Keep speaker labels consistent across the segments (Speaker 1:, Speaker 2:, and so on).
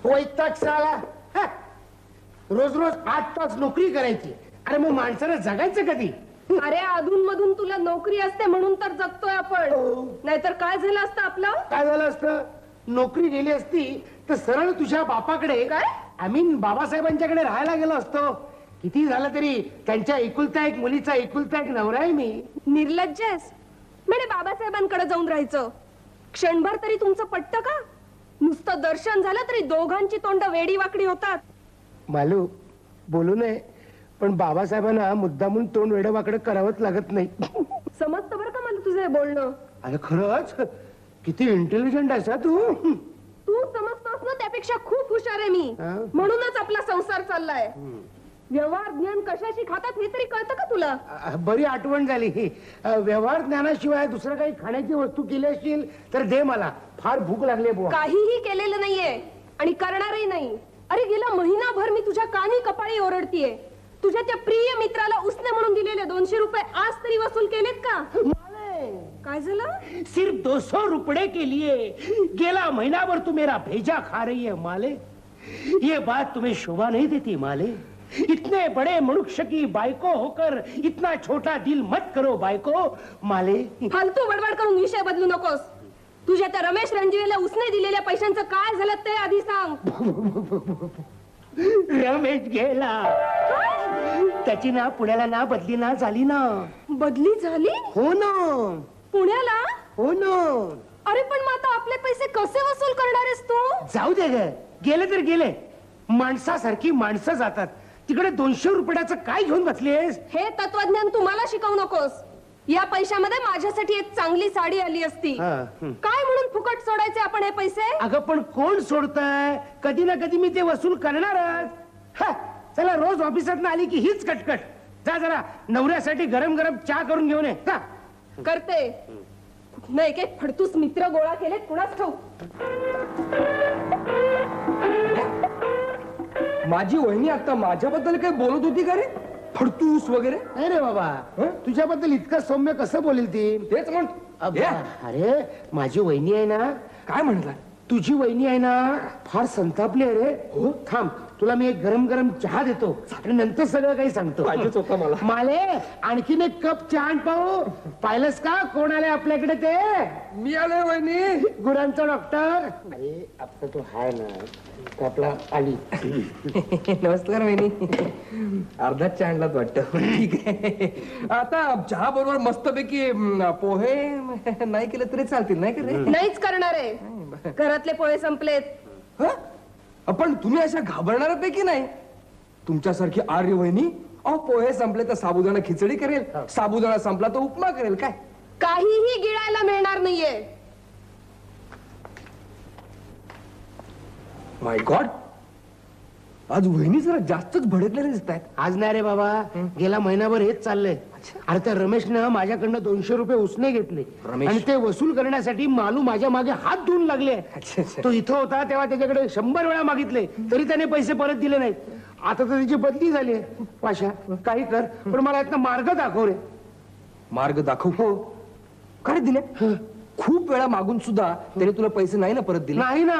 Speaker 1: वैताग साला. रोज रोज 8 तास नोकरी करायची. अरे मग माणसानं जगायचं कधी?
Speaker 2: अरे अधून मधून तुला नोकरी असते म्हणून तर जगतोय आपण. नाहीतर काय झालं असतं आपलं?
Speaker 1: काय झालं असतं? नोकरी गेली असती तर सरळ तुझ्या बापाकडे,
Speaker 2: काय
Speaker 1: आय मीन बाबासाहेबांच्याकडे राहायला गेलो असतो. किती झालं तरी त्यांच्या एकुलता एक मुलीचा एकुलता एक नवरा आहे मी.
Speaker 2: निर्लज्ज आहेस. म्हणे बाबासाहेबांकडे जाऊन राहायचं. क्षणभर तरी तुमचं पटतं का? नुसतं दर्शन झालं तरी दोघांची तोंड वेडी वाकडी होतात.
Speaker 1: मालू बोलू नये, पण बाबासाहेबांना मुद्दामून तोंड वेडवाकडे करावंच लागत नाही.
Speaker 2: समजतं बरं का मला तुझं हे बोलणं.
Speaker 1: अरे खरंच किती इंटेलिजंट आहेस तू.
Speaker 2: तू समजतोस ना त्यापेक्षा खूप हुशार आहे मी. म्हणूनच आपला संसार चाललाय. व्यवहार ज्ञान कशाशी खातात हे तरी कळतं का तुला?
Speaker 1: बरी आठवण झाली. व्यवहार ज्ञानाशिवाय दुसरं काही खाण्याची वस्तू केली असतील तर दे, मला फार भूक लागली बुवा.
Speaker 2: काहीही केलेलं नाहीये आणि करणारही नाही. अरे गेला महिनाभर मी तुझ्या कानी कपाळी ओरडतीये. तुझ्या त्या प्रिय मित्राला उसने म्हणून दिलेले 200 रुपये आज तरी वसूल केलेत का? काय झालं?
Speaker 1: सिर्फ 200 रुपये के लिए गेला महीनाभर तू मेरा भेजा खा रही है माले. ये बात तुम्हें शोभा नहीं देती माले. इतने बड़े मनुष्य की बायको होकर इतना छोटा दिल मत करो बायको माले.
Speaker 2: फालतू बडबड करून विषय बदलू नकोस. तुझ्या त्या रमेश रणजीवेला उसने दिलेल्या पैशांचं काय झालं ते आधी सांग.
Speaker 1: रमेश गेला. त्याची ना पुण्याला ना बदली ना झाली ना.
Speaker 2: बदली झाली?
Speaker 1: हो ना.
Speaker 2: पुण्याला?
Speaker 1: हो ना.
Speaker 2: अरे पण मग आता आपले पैसे कसे वसूल करणार आहेस तू?
Speaker 1: जाऊ दे ग, गेले तर गेले. माणसासारखी माणसं जातात. तिकडे 200 रुपयाचं काय घेऊन बसलीस?
Speaker 2: हे तत्वज्ञान तुम्हाला शिकवू नकोस. या पैशामध्ये माझ्यासाठी एक चांगली साडी आली असती. काय म्हणून फुकट सोडायचे आपण हे पैसे?
Speaker 1: अगं पण कोण सोडतंय? कधी ना कधी मी ते वसूल करणारच. चला रोज ऑफिसात आली की हीच कटकट. जा जरा नवऱ्यासाठी गरम गरम चहा करून घेऊन ये.
Speaker 2: करते. नाही काय फडतूस मित्र गोळा केले कुणाच ठाऊक.
Speaker 3: माझी वहिनी आता माझ्याबद्दल काही बोलत होती का रे? फडतूस वगैरे?
Speaker 1: नाही रे बाबा, तुझ्याबद्दल इतकं सौम्य कसं बोलेल ती?
Speaker 3: तेच म्हण.
Speaker 1: अरे माझी वहिनी आहे ना.
Speaker 3: काय म्हटलं?
Speaker 1: तुझी वहिनी आहे ना फार संतापली आहे रे. हो थांब, तुला मी एक गरम गरम चहा देतो आणि नंतर सगळं काही सांगतो.
Speaker 3: पाहिजेच होता मला.
Speaker 1: माले आणखीन एक कप चहा आण पाहू. पाहिलंस का कोण आले आपल्याकडे ते?
Speaker 3: मी आलोय वहिनी.
Speaker 1: गुरांचा डॉक्टर. अरे आता तो हाय ना तो आपला आली.
Speaker 3: नमस्कार वहिनी. अर्धाच चहा आणलात वाटतं. ठीक आहे. आता चहा बरोबर मस्तपैकी पोहे नाही केले तरी चालतील नाही का रे?
Speaker 2: नाहीच करणार आहे. घरातले पोहे संपलेत.
Speaker 3: पण तुम्ही अशा घाबरणाऱ्यापैकी नाही. तुमच्यासारखी आर्य वहिनी अहो पोहे संपले तर साबुदाणा खिचडी करेल, साबुदाणा संपला तर उपमा करेल. काय
Speaker 2: काहीही गिळायला मिळणार नाहीये.
Speaker 3: माय गॉड, आज वहिनी जरा जास्तच भडकलेले दिसत आहेत.
Speaker 1: आज नाही रे बाबा, गेला महिनाभर हेच चाललंय. अरे त्या रमेशनं माझ्याकडनं 200 रुपये उसने घेतले आणि ते वसूल करण्यासाठी मालू माझ्या मागे हात धुवून लागले. तो इथं होता तेव्हा त्याच्याकडे 100 वेळा मागितले तरी त्याने पैसे परत दिले नाहीत. आता तर त्याची बदली झाली. पाशा काही कर, पण मला यातनं मार्ग दाखव रे.
Speaker 3: मार्ग दाखव? हो. काय दिले? खूप वेळा मागून सुद्धा त्याने तुला पैसे नाही ना परत दिले?
Speaker 1: नाही ना.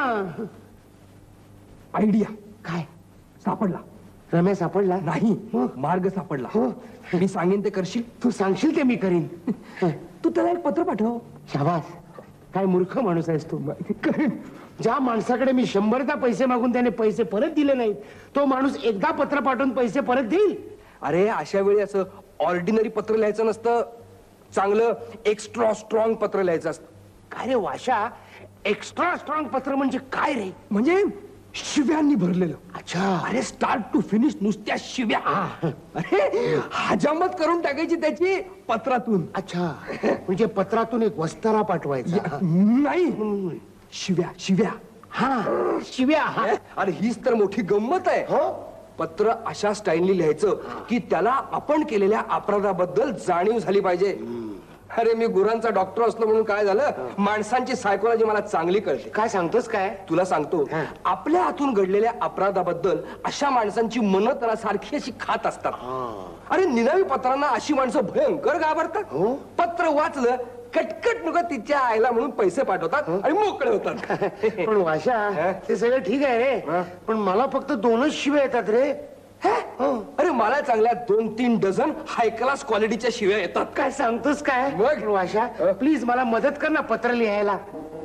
Speaker 3: आयडिया
Speaker 1: काय
Speaker 3: सापडला?
Speaker 1: रमेश सापडला?
Speaker 3: नाही, मार्ग सापडला. मी सांगेन ते करशील?
Speaker 1: तू सांगशील ते मी करीन.
Speaker 3: तू त्याला एक पत्र पाठव.
Speaker 1: शाबास, काय मूर्ख माणूस आहेस तू. ज्या माणसाकडे मी 100दा पैसे मागून त्याने पैसे परत दिले नाहीत तो माणूस एकदा पत्र पाठवून पैसे परत देईल?
Speaker 3: अरे अशा वेळी असं ऑर्डिनरी पत्र लिहायचं नसतं. चांगलं एक्स्ट्रा स्ट्रॉंग पत्र लिहायचं असतं.
Speaker 1: काय रे वाशा, एक्स्ट्रा स्ट्रॉंग पत्र म्हणजे काय रे?
Speaker 3: म्हणजे शिव्यांनी भरलेलं.
Speaker 1: अच्छा.
Speaker 3: अरे स्टार्ट टू फिनिश नुसत्या शिव्या. अरे हजामत करून टाकायची त्याची पत्रातून.
Speaker 1: अच्छा, म्हणजे पत्रातून एक वस्तारा पाठवायचा?
Speaker 3: नाही, शिव्या शिव्या.
Speaker 1: हा शिव्या.
Speaker 3: अरे हीच तर मोठी गंमत आहे.
Speaker 1: हो.
Speaker 3: पत्र अशा स्टाईलनी लिहायचं की त्याला आपण केलेल्या अपराधाबद्दल जाणीव झाली पाहिजे. अरे मी गुरांचा डॉक्टर असलो म्हणून काय झालं, माणसांची सायकोलॉजी मला चांगली कळते.
Speaker 1: काय सांगतोस काय?
Speaker 3: तुला सांगतो, आपल्या हातून घडलेल्या अपराधाबद्दल अशा माणसांची मनं त्याला सारखी अशी खात असतात. अरे निनावी पत्रांना अशी माणसं भयंकर घाबरतात. पत्र वाचलं कटकट नुका तिच्या आईला म्हणून पैसे पाठवतात आणि मोकळे होतात.
Speaker 1: पण वाशा ते सगळं ठीक आहे रे, पण मला फक्त 2च शिव्या येतात रे.
Speaker 3: अरे मला चांगल्या 2-3 डझन हाय क्लास क्वालिटीच्या शिव्या येतात.
Speaker 1: काय सांगतोस काय?
Speaker 3: मग?
Speaker 1: वाशा प्लीज मला मदत कर ना पत्र लिहायला.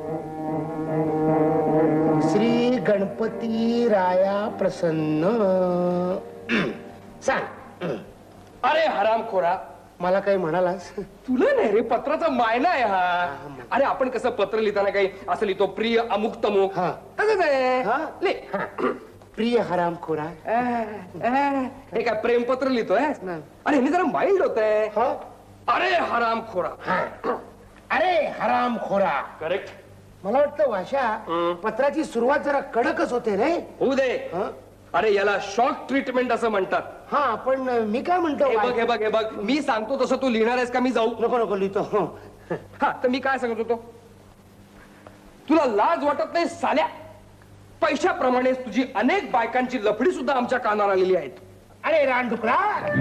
Speaker 1: श्री गणपती राया प्रसन्न. सांग.
Speaker 3: अरे हरामखोरा,
Speaker 1: मला काही म्हणालास?
Speaker 3: तुला नाही रे, पत्राचा मायना आहे हा. अरे आपण कसं पत्र लिहिताना काही असं लिहितो, प्रिय अमुक तमुक,
Speaker 1: हा.
Speaker 3: तसंच आहे.
Speaker 1: हा?
Speaker 3: ले.
Speaker 1: प्रिय हरामखोरा.
Speaker 3: हे काय प्रेमपत्र लिहितोय?
Speaker 1: नाही.
Speaker 3: अरे हे जरा माइल्ड होत आहे.
Speaker 1: हा?
Speaker 3: अरे हरामखोरा.
Speaker 1: अरे हरामखोरा.
Speaker 3: करेक्ट.
Speaker 1: मला वाटतं वाशा पत्राची सुरुवात जरा कडकच होते रे.
Speaker 3: होऊ दे.
Speaker 1: हा?
Speaker 3: अरे याला शॉक ट्रीटमेंट असं म्हणतात.
Speaker 1: हा, पण मी काय म्हणतो,
Speaker 3: हे बघ हे बघ हे बघ, मी सांगतो तसं तू लिहिणार आहेस का मी जाऊ?
Speaker 1: नको नको लिहितो.
Speaker 3: हा, तर मी काय सांगत होतो, तुला लाज वाटत नाही साल्या? पैशाप्रमाणे तुझी अनेक बायकांची लफडी सुद्धा आमच्या कानावर आलेली आहेत.
Speaker 1: अरे रानडुकरा.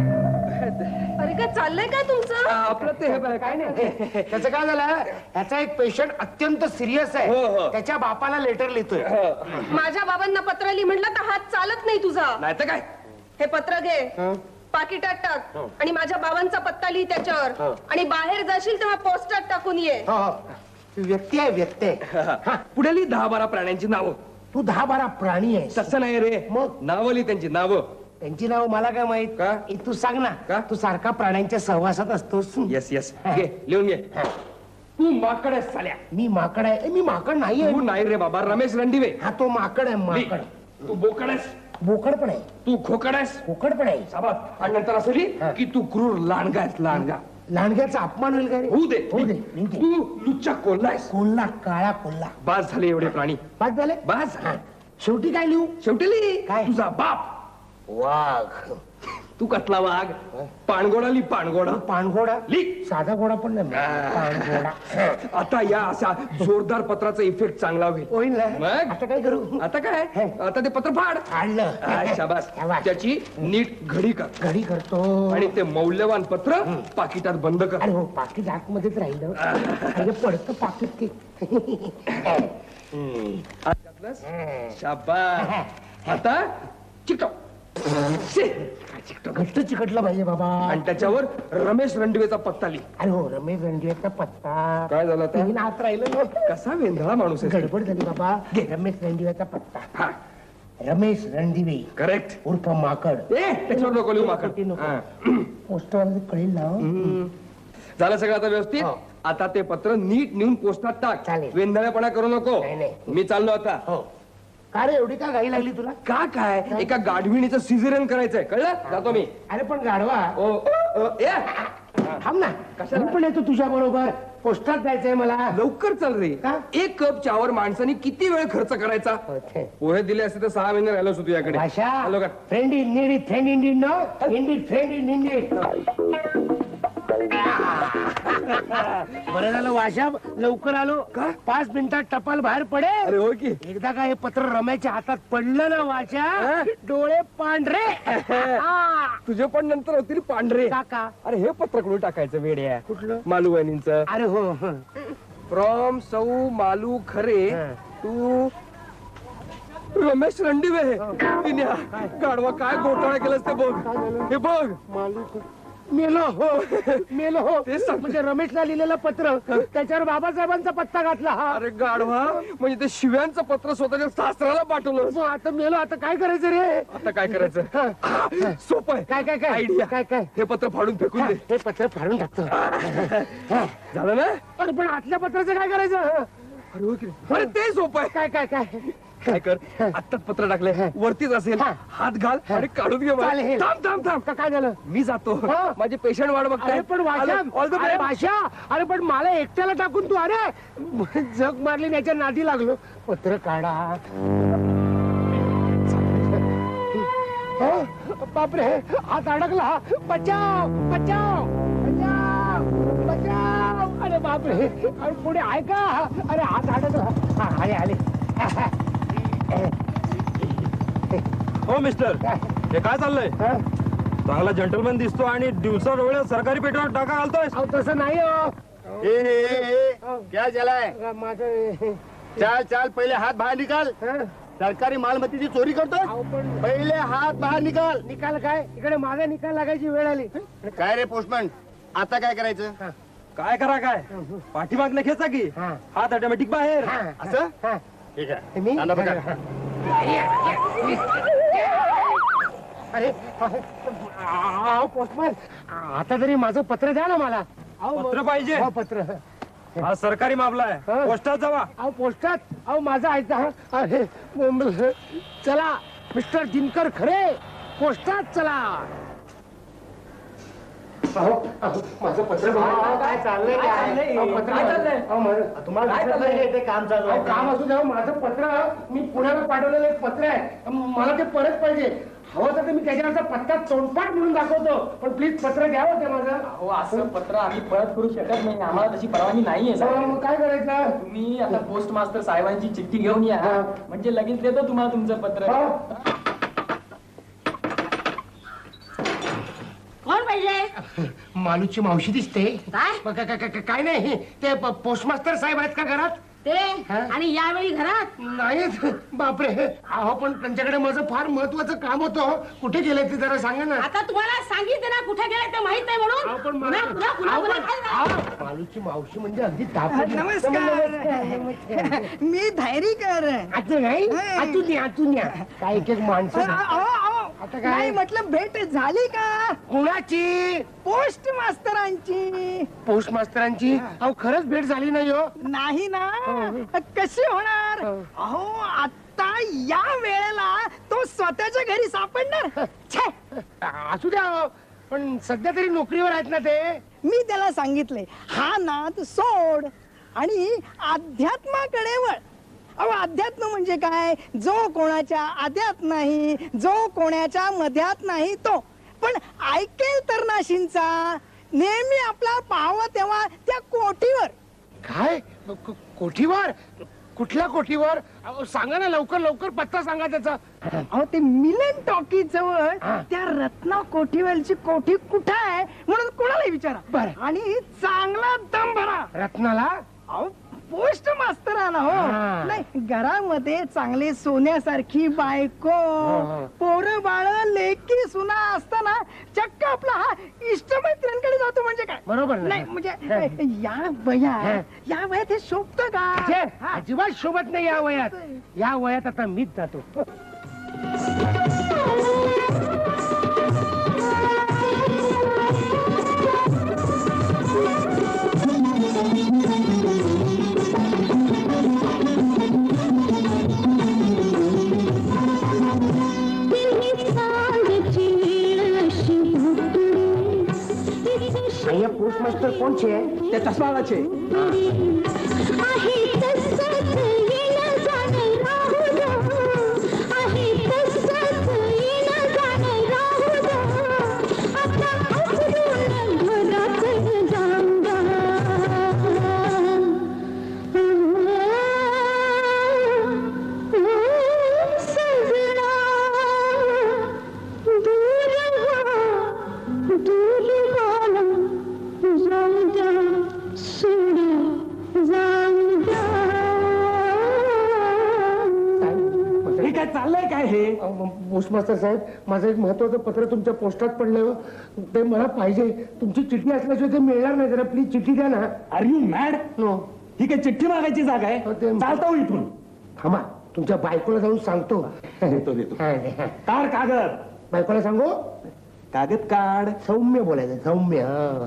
Speaker 2: अरे काय चाललंय काय तुमचं?
Speaker 3: आपलं ते हे बघ, काय नाही.
Speaker 1: त्याचं काय झालं, ह्याचा एक पेशंट अत्यंत सिरियस
Speaker 3: हो,
Speaker 1: आहे.
Speaker 3: हो.
Speaker 1: त्याच्या बापाला लेटर लिहितोय.
Speaker 2: माझ्या बाबांना पत्र लिही म्हटलं तर हात चालत नाही तुझा.
Speaker 3: नाही तर काय.
Speaker 2: हे पत्र घे, पाकिटात टाक आणि माझ्या बाबांचा पत्ता लिही त्याच्यावर, आणि बाहेर जाशील तेव्हा पोस्टात टाकून ये.
Speaker 1: हो, हो. व्यक्ती आहे, व्यक्ती आहे.
Speaker 3: पुढे लिही 10-12 प्राण्यांची नावं.
Speaker 1: तू 10-12 प्राणी आहेस.
Speaker 3: तसं नाही रे,
Speaker 1: मग?
Speaker 3: नावं लिही त्यांची नावं.
Speaker 1: त्यांची नाव मला काय माहित.
Speaker 3: का?
Speaker 1: तू सांग ना.
Speaker 3: का?
Speaker 1: तू सारखा प्राण्यांच्या सहवासात असतोस.
Speaker 3: येस येस, घे लिहून घे. तू माकड आहेस साल्या.
Speaker 1: मी माकड आहे? मी माकड नाही
Speaker 3: तू नाही रे बाबा, रमेश रणदिवे.
Speaker 1: हा, तो माकड आहे, माकड.
Speaker 3: तू बोकड आहेस.
Speaker 1: बोकड पण आहे,
Speaker 3: तू खोकड आहेस.
Speaker 1: बोकड पण आहे.
Speaker 3: साबास. आणि नंतर असं लिही की तू क्रूर लांडगा आहेस, लांडगा.
Speaker 1: लांडग्याचा अपमान होईल का रे?
Speaker 3: होऊ दे.
Speaker 1: होऊ दे, होऊ दे.
Speaker 3: तू लुच्चा कोल्हा आहेस.
Speaker 1: कोल्हा, काळा कोल्हा.
Speaker 3: बास झाले एवढे प्राणी.
Speaker 1: पाच झाले.
Speaker 3: बास.
Speaker 1: हा. शेवटी काय लिहू?
Speaker 3: शेवटी लिही
Speaker 1: काय?
Speaker 3: तुझा बाप.
Speaker 1: वाघ.
Speaker 3: तू कसला वाघ? पाणघोडा लिही, पाणघोडा.
Speaker 1: पाणघोडा.
Speaker 3: लिही.
Speaker 1: साधा घोडा पण नाही. पाणघोडा.
Speaker 3: आता या असा जोरदार पत्राचा इफेक्ट चांगला होईल.
Speaker 1: होईल ना?
Speaker 3: मग?
Speaker 1: आता काय करू?
Speaker 3: आता काय, आता ते पत्र फाड.
Speaker 1: आणलं.
Speaker 3: शाबास.
Speaker 1: शाबास.
Speaker 3: त्याची नीट घडी कर
Speaker 1: घडी करतो.
Speaker 3: आणि ते मौल्यवान पत्र पाकिटात बंद कर.
Speaker 1: अरे हो, पाकिट आतमध्येच राहिलं. अरे पडतं पाकिट ते.
Speaker 3: शाबास. आता चिकटव.
Speaker 1: घट्ट चिकटलं पाहिजे बाबा.
Speaker 3: आणि त्याच्यावर रमेश रणदिवेचा पत्ता लिही.
Speaker 1: अरे हो, रमेश रणदिवेचा पत्ता.
Speaker 3: काय झालं आता?
Speaker 1: तीन हात राहिलं ना.
Speaker 3: कसा वेंधळा माणूस आहे.
Speaker 1: गडबड झाली बाबा. रमेश रणदिवेचा पत्ता.
Speaker 3: हा,
Speaker 1: रमेश रणदिवे
Speaker 3: करेक्ट.
Speaker 1: उर्फ माकड.
Speaker 3: त्याच्यावर नको लिहू माकड.
Speaker 1: ती नको.
Speaker 3: हा.
Speaker 1: पोस्टरवाला कळेल ना.
Speaker 3: झालं सगळं आता व्यवस्थित.
Speaker 1: हो.
Speaker 3: आता ते पत्र नीट नेऊन पोस्टात टाक.
Speaker 1: चालेल.
Speaker 3: वेंधळेपणा करू नको.
Speaker 1: नाही, नाही.
Speaker 3: मी चाललो आता.
Speaker 1: हो. का रे, एवढी का घाई लागली तुला?
Speaker 3: का काय, एका गाढविणीचं सिझेरियन करायचंय, कळलं? जातो मी.
Speaker 1: अरे पण गाढवा,
Speaker 3: ए,
Speaker 1: थांब ना.
Speaker 3: कशाला?
Speaker 1: मी पण येतो तुझ्या बरोबर. पोस्टात जायचंय मला.
Speaker 3: लवकर चल रे.
Speaker 1: का?
Speaker 3: 1 कप चहावर माणसाने किती वेळ खर्च करायचा? पोहे दिले असते तर 6 महिने राहिलो असतो तुझ्याकडे.
Speaker 1: भाषा.
Speaker 3: आलो का?
Speaker 1: Friend in need, friend in need, no indeed, friend in indeed. बरं झालं वाशा, लवकर आलो.
Speaker 3: का?
Speaker 1: 5 मिनिटात टपाल बाहेर
Speaker 3: अरे
Speaker 1: पडेल.
Speaker 3: हो की.
Speaker 1: एकदा का हे पत्र रम्याच्या हातात पडलं ना वाशा, डोळे पांढरे. हा.
Speaker 3: तुझे पण नंतर होतील पांढरे.
Speaker 1: काका.
Speaker 3: अरे हे पत्र कुठे टाकायचं वेड्या?
Speaker 1: कुठलं?
Speaker 3: मालू वहिनींचं.
Speaker 1: अरे हो.
Speaker 3: फ्रॉम सौ मालू खरे
Speaker 1: हं.
Speaker 3: टू रमेश रणदिवे. तिन्या गाढवा काय घोटाळा केलास ते बघ. हे बघ.
Speaker 1: मेलो हो, मेलो हो.
Speaker 3: तेच सांगतो.
Speaker 1: म्हणजे रमेशला लिहिलेलं पत्र, त्याच्यावर बाबासाहेबांचा पत्ता घातला. हा.
Speaker 3: अरे गाढवा, म्हणजे ते शिव्यांचं पत्र स्वतःच्या सासऱ्याला पाठवलं.
Speaker 1: मग आता मेलो, आता काय करायचं रे?
Speaker 3: आता काय करायचं? सोपं आहे.
Speaker 1: काय काय काय
Speaker 3: आयडिया.
Speaker 1: काय काय?
Speaker 3: हे पत्र फाडून फेकून दे.
Speaker 1: हे पत्र फाडून टाकतो.
Speaker 3: झालं ना?
Speaker 1: अरे पण आतल्या पत्राचं काय करायचं?
Speaker 3: अरे हो की नाही? अरे ते सोपं आहे.
Speaker 1: काय काय काय
Speaker 3: काय कर, आत्ताच पत्र टाकले, वरतीच असेल,
Speaker 1: हा.
Speaker 3: हात घाल आणि काढून घे मला.
Speaker 1: चालेल.
Speaker 3: थांब थांब थांब.
Speaker 1: का- काय झालं?
Speaker 3: मी जातो.
Speaker 1: हा.
Speaker 3: माझे पेशंट वाट बघताय.
Speaker 1: अरे पण भाषा,
Speaker 3: ऑल द
Speaker 1: अरे भाषा, अरे पण मला एकट्याला टाकून तू, अरे जग मारली त्याच्या नादी लागलो. पत्र काढा. हो, बापरे, हात अडकला. बचाव बचाव बचाव बचाव. अरे बापरे, अरे पुढे ऐका. अरे हात अडकला. हा, आले आले.
Speaker 4: हो मिस्टर, हे काय चाललंय?
Speaker 1: हा?
Speaker 4: चांगला जंटलमॅन दिसतो आणि दिवसा डोळ्या सरकारी पेट्रोल टाका घालतोय.
Speaker 1: अहो तसं नाही हो.
Speaker 5: क्या चला है?
Speaker 1: माझं
Speaker 5: चाल चाल पहिले हात बाहेर निकाल. सरकारी मालमत्तेची चोरी करतो. पहिले हात बाहेर निकाल.
Speaker 1: निकाल काय इकडे माझा निकाल लागायची वेळ आली.
Speaker 5: काय रे पोस्टमन, आता काय करायचं?
Speaker 4: काय करा काय पाठीमागनं खेचा की
Speaker 1: हा.
Speaker 4: हात ऑटोमॅटिक बाहेर.
Speaker 5: असं
Speaker 1: हा.
Speaker 5: ठीक आहे.
Speaker 1: मी
Speaker 5: आणा बघा.
Speaker 1: अरे पोस्टमॅन, आता तरी माझं पत्र द्या ना मला.
Speaker 4: पत्र पाहिजे?
Speaker 1: हो, पत्र.
Speaker 4: हा सरकारी मामला आहे,
Speaker 1: हा.
Speaker 4: पोस्टात जावा.
Speaker 1: अहो पोस्टात, अहो माझा ऐका. अरे चला मिस्टर दिनकर खरे, पोस्टात चला. माझं पत्र काय चाललंय?
Speaker 5: काम चालू आहे.
Speaker 1: काम असू द्या. माझं पत्र मी पुण्याला पाठवलेलं एक पत्र आहे, मला ते परत पाहिजे. हवं तर मी त्याच्यावरचा पत्ता तोंडपाठ म्हणून दाखवतो, पण प्लीज पत्र द्यावं ते माझं.
Speaker 6: हो असं पत्र आम्ही परत करू शकत नाही, आम्हाला तशी परवानगी नाहीये साहेब.
Speaker 1: मग काय करायचं?
Speaker 6: तुम्ही आता पोस्ट मास्टर साहेबांची चिठ्ठी घेऊन या,
Speaker 1: हा.
Speaker 6: म्हणजे लगेच देतो तुम्हाला तुमचं पत्र.
Speaker 1: हो.
Speaker 7: कोण पाहिजे?
Speaker 1: मालूची मावशी दिसते.
Speaker 7: काय?
Speaker 1: काय नाही, ते पोस्टमास्टर साहेब आहेत का घरात?
Speaker 7: ते
Speaker 1: हा?
Speaker 7: आणि यावेळी घरात
Speaker 1: नाहीत. बापरे, अहो पण त्यांच्याकडे माझं फार महत्वाचं काम होतं. कुठे गेले ते जरा सांगा ना.
Speaker 7: आता तुम्हाला सांगितलं ना कुठे गेले ते माहित नाही
Speaker 1: अहो, पण
Speaker 7: म्हणून.
Speaker 1: मला-
Speaker 7: पुन्हा- पुन्हा-
Speaker 1: अहो,
Speaker 7: पुन्हा-
Speaker 1: पण-
Speaker 7: पुन्हा काय झालं?
Speaker 1: अहो, मालूची मावशी म्हणजे अगदी तापट.
Speaker 8: नमस्कार. मी धैर्यकर.
Speaker 1: आता नाही, आतून या. काय एक एक माणसं. आता काय?
Speaker 8: नाही म्हटलं भेट झाली का?
Speaker 1: कुणाची?
Speaker 8: पोस्ट मास्तरांची.
Speaker 1: पोस्ट मास्तरांची? अहो खरंच भेट झाली नाही हो.
Speaker 8: नाही ना, कशी होणार? अहो आता या वेळेला तो स्वतःच्या घरी सापडणार. छे,
Speaker 1: असू द्या हो. पण सध्या तरी नोकरीवर आहेत ना ते.
Speaker 8: मी त्याला सांगितले हा नाद सोड आणि अध्यात्माकडे वळ. अहो अध्यात्म म्हणजे काय? जो कोणाच्या आद्यात नाही, जो कोणाच्या मध्यात नाही तो. पण ऐकेल तर नाशींचा नेहमी आपला पाहावं तेव्हा त्या कोठीवर.
Speaker 1: काय? कोठीवर? कुठल्या कोठीवर? अहो, सांगा ना लवकर लवकर, पत्ता सांगा त्याचा.
Speaker 8: अहो ते मिलन टॉकी जवळ
Speaker 1: हा.
Speaker 8: त्या रत्ना कोठीवरची कोठी कुठं आहे म्हणून कोणालाही विचारा.
Speaker 1: बरं.
Speaker 8: आणि चांगला दम भरा.
Speaker 1: रत्नाला?
Speaker 8: अहो पोस्ट मास्तर आला हो.
Speaker 1: हा.
Speaker 8: नाही घरामध्ये चांगले सोन्यासारखी बायको,
Speaker 1: हो.
Speaker 8: पोरं बाळ, लेकी सुना असताना चक्क आपला हा इष्टमित्रांकडे जातो म्हणजे काय?
Speaker 1: बरोबर ना.
Speaker 8: नाही म्हणजे या वयात हे शोभत का?
Speaker 1: छे,
Speaker 8: हा.
Speaker 1: अजिबात शोभत नाही या वयात. या वयात आता मीच जातो. पोस्ट मास्टर कोणचे?
Speaker 6: त्या चष्मावाचे.
Speaker 4: हे काय चाललंय काय हे?
Speaker 1: पोस्ट मास्टर साहेब, माझं एक महत्वाचं पत्र तुमच्या पोस्टात पडलं. ते मला पाहिजे. तुमची चिठ्ठी असल्याशिवाय ते मिळणार नाही. जरा प्लीज चिठ्ठी द्या ना.
Speaker 4: Are you mad?
Speaker 1: नो.
Speaker 4: ही काय चिठ्ठी मागायची जागा आहे?
Speaker 1: हो, ते-
Speaker 4: चालता हो इथून.
Speaker 1: थांबा, तुमच्या बायकोला जाऊन सांगतो.
Speaker 4: देतो देतो.
Speaker 1: हा.
Speaker 4: काढ कागद.
Speaker 1: बायकोला सांगू?
Speaker 4: कागद काढ.
Speaker 1: सौम्य बोलायचं, सौम्य.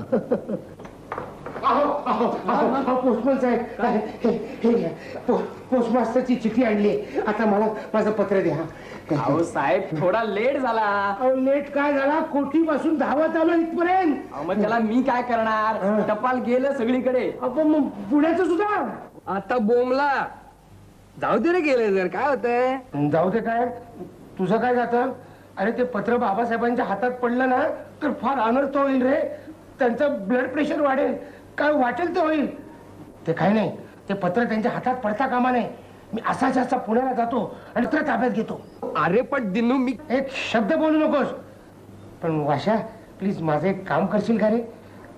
Speaker 1: पोस्टमन साहेब, हे घ्या. पोस्ट मास्टरची चिठ्ठी आणली. आता मला माझं पत्र द्या.
Speaker 6: अहो साहेब थोडा लेट झाला.
Speaker 1: अहो लेट काय झाला? कोठी पासून धावत आलो इथपर्यंत.
Speaker 6: अहो, मग त्याला मी काय करणार? टपाल गेलं सगळीकडे.
Speaker 1: आपण मग पुण्याचं सुद्धा.
Speaker 3: आता बोमला जाऊ दे रे, गेले जर काय होतंय.
Speaker 1: जाऊ दे काय, तुझं काय जातं? अरे ते पत्र बाबासाहेबांच्या हातात पडलं ना तर फार अनर्थ होईल रे. त्यांचं ब्लड प्रेशर वाढेल. काय वाटेल ते होईल. ते काय नाही, ते पत्र त्यांच्या हातात पडता कामा नये. मी असा पुण्याला जातो आणि पत्र ताब्यात घेतो.
Speaker 3: अरे पण दिनू, मी
Speaker 1: एक शब्द बोलू नकोस. पण वाशा, प्लीज माझं एक काम करशील का रे?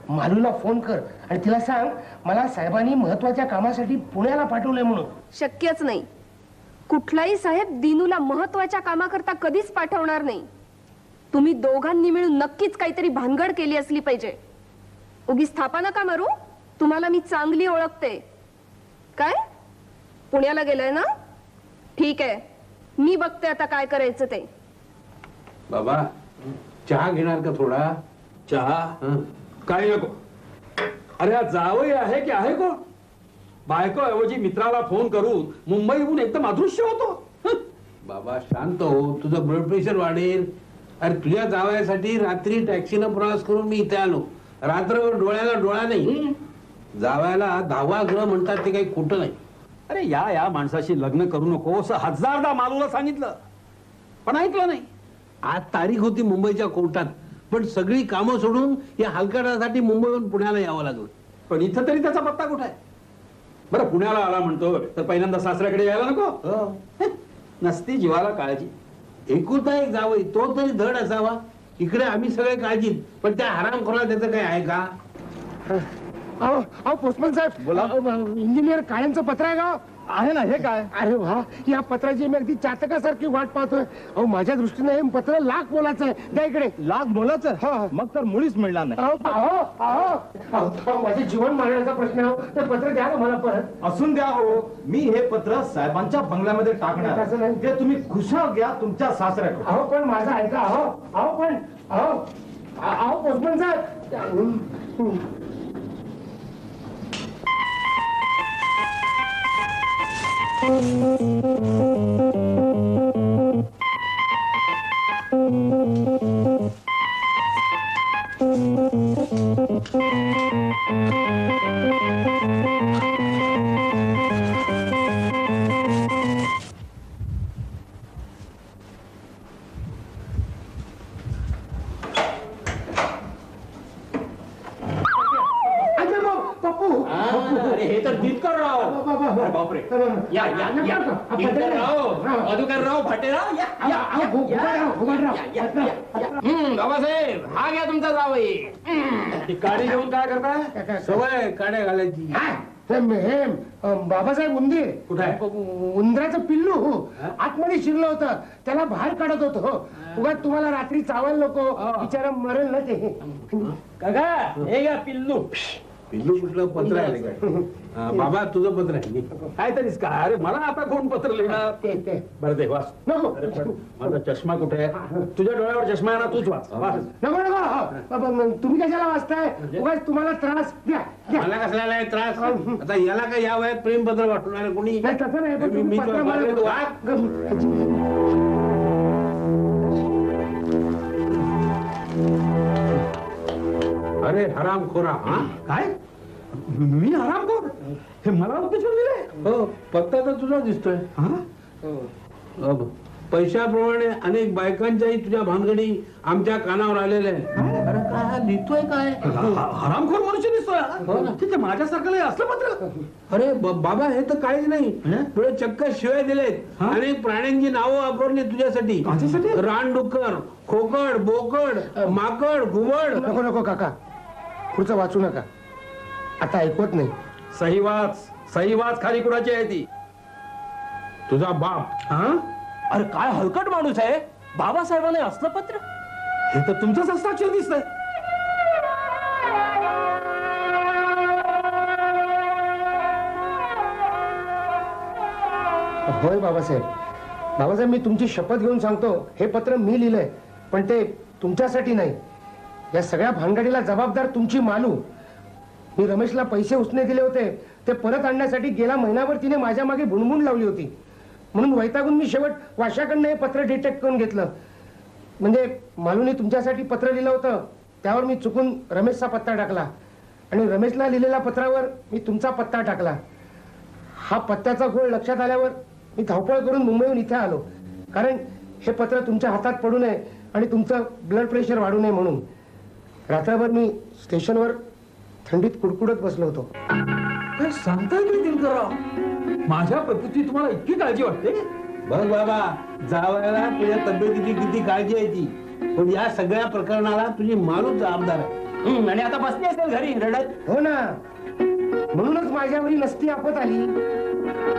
Speaker 1: मालूला फोन कर आणि तिला सांग मला साहेबांनी महत्वाच्या कामासाठी पुण्याला पाठवलंय म्हणून.
Speaker 2: शक्यच नाही. कुठलाही साहेब दिनूला महत्वाच्या कामाकरता कधीच पाठवणार नाही. तुम्ही दोघांनी मिळून नक्कीच काहीतरी भानगड केली असली पाहिजे. उगीच थापा नका मारू. तुम्हाला मी चांगली ओळखते. काय पुण्याला गेलाय ना? ठीक आहे, मी बघते आता काय करायचं ते.
Speaker 9: बाबा चहा घेणार का थोडा?
Speaker 4: चहा काही नको. अरे हा जावई आहे की आहे कोण? बायको ऐवजी मित्राला फोन करून मुंबईहून एकदम अदृश्य होतो.
Speaker 9: बाबा शांत हो, तुझं ब्लड प्रेशर वाढेल. अरे तुझ्या जावयासाठी रात्री टॅक्सीनं प्रवास करून मी इथे आलो. रात्रभर डोळ्याला डोळा नाही. जावयाला 10वा ग्रह म्हणतात ते काही खोटं नाही.
Speaker 4: अरे या माणसाशी लग्न करू नको असं हजारदा मालूला सांगितलं, पण ऐकलं नाही.
Speaker 9: आज तारीख होती मुंबईच्या कोर्टात, पण सगळी कामं सोडून या हलकटासाठी मुंबईहून पुण्याला यावं लागलं.
Speaker 4: पण इथं तरी त्याचा पत्ता कुठे आहे? बरं पुण्याला आला म्हणतो तर पहिल्यांदा सासऱ्याकडे यायला नको? नसती जीवाला काळजी.
Speaker 9: एकुलता एक जावई, तो तरी धड असावा. इकडे आम्ही सगळे काळजीत, पण त्या हरामखोराला त्याचं काही आहे का?
Speaker 1: अहो अहो पोस्टमन साहेब, बोला. इंजिनियर काळ्यांचं पत्र आहे का?
Speaker 5: आहे ना. हे काय?
Speaker 1: अरे वा, या पत्राची मी अगदी चातकासारखी वाट पाहतोय. अहो माझ्या दृष्टीने हे पत्र लाख मोलाचं आहे. द्या इकडे.
Speaker 5: लाख बोलायचं? मग तर मुळीच मिळणार नाही.
Speaker 1: माझे जीवन मारण्याचा प्रश्न आहे. ते पत्र द्या ना मला परत.
Speaker 5: असून द्या हो. मी हे पत्र साहेबांच्या बंगल्यामध्ये
Speaker 1: तसं
Speaker 5: टाकणार.
Speaker 1: नाही.
Speaker 5: ते तुम्ही खुशाल घ्या तुमच्या सासऱ्याकडे.
Speaker 1: अहो पण माझं ऐका. अहो पोस्टमन साहेब.
Speaker 4: अरे हे तर दिनकर राव. अरे बापरे.
Speaker 3: मधुकरराव भाटेराव बाबासाहेब, हा घ्या तुमचा जावई.
Speaker 4: ती काडी घेऊन काय करताय?
Speaker 9: सवय काड्या घालायची.
Speaker 1: हे बाबासाहेब उंदीर
Speaker 4: कुठे आहे?
Speaker 1: उंदराचं पिल्लू आतमध्ये शिरलं होतं, त्याला बाहेर काढत होतो. उगाच तुम्हाला रात्री चावायला नको, बिचारा मरेल ना ते.
Speaker 4: काका हे घ्या पिल्लू.
Speaker 9: पिल्लू कुठलं पत्र आहे काय? बाबा तुझं पत्र आहे.
Speaker 4: काय तरीच का? अरे मला आता कोण पत्र लिहिणार?
Speaker 1: ते
Speaker 4: बरं दे वाच.
Speaker 1: नको
Speaker 4: अरे पण माझा चष्मा कुठे आहे? तुझ्या डोळ्यावर चष्मा आहे ना, तूच वाच. वाच.
Speaker 1: नको नको. तुम्ही कशाला वाचताय? उगाच तुम्हाला त्रास द्या.
Speaker 9: मला कसला आहे त्रास? आता याला काय या वयात प्रेमपत्र वाटणार कोणी?
Speaker 1: नाही तसं नाही, पण तुम्ही पत्र मला-
Speaker 9: अरे हरामखोरा. हा
Speaker 4: काय? मी आरामखोर? हे मला उद्देशून दिले?
Speaker 9: हो, पत्ता तर तुझा दिसतोय. पैशाप्रमाणे अनेक बायकांच्याही तुझ्या भानगडी आमच्या कानावर आलेल्या आहेत. अरे काय हा लिहितोय काय?
Speaker 4: हरामखोर मनुष्य दिसतोय. तिथे माझ्यासारखं असलं पत्र?
Speaker 9: अरे बाबा हे तर काहीच नाही. तुला चक्क शिवाय दिलेत. अनेक प्राण्यांची नावं वापरली तुझ्यासाठी. रानडुक्कर, खोकड, बोकड, माकड, घुबड.
Speaker 1: नको नको काका, पुढचं वाचू नका. आता ऐकवत नाही.
Speaker 4: सही वाच. सही वाच. खाली कुणाची आहे ती?
Speaker 9: तुझा बाप.
Speaker 4: हा?
Speaker 6: अरे काय हलकट माणूस आहे. बाबासाहेबांनी असलं पत्र?
Speaker 4: हे तर तुमचंच हस्ताक्षर दिसतंय.
Speaker 1: होय बाबासाहेब. बाबासाहेब मी तुमची शपथ घेऊन सांगतो, हे पत्र मी लिहिलंय, पण ते तुमच्यासाठी नाही. या सगळ्या भानगडीला जबाबदार तुमची मालू. मी रमेशला पैसे उसने दिले होते, ते परत आणण्यासाठी गेला महिनाभर तिने माझ्या मागे भुणभुण लावली होती. म्हणून वैतागून मी शेवट वाशाकडनं हे पत्र डिटेक्ट करून घेतलं. म्हणजे मालूने तुमच्यासाठी पत्र लिहिलं होतं, त्यावर मी चुकून रमेशचा पत्ता टाकला आणि रमेशला लिहिलेल्या पत्रावर मी तुमचा पत्ता टाकला. हा पत्त्याचा घोळ लक्षात आल्यावर मी धावपळ करून मुंबईहून इथे आलो, कारण हे पत्र तुमच्या हातात पडू नये आणि तुमचं ब्लड प्रेशर वाढू नये म्हणून. रात्रभर मी स्टेशनवर थंडीत कुडकुडत बसलो होतो.
Speaker 4: काय सांगताय तुम्ही दिनकरराव? माझ्या प्रकृती तुम्हाला इतकी काळजी वाटते?
Speaker 9: बघ बाबा, जावयाला तुझ्या तब्येतीची किती काळजी आहे ती, पण या सगळ्या प्रकरणाला तुझी मालूच जबाबदार आहे.
Speaker 6: आणि आता बसली असेल घरी रडत.
Speaker 1: हो ना, म्हणूनच माझ्यावरी नसती आपत आली.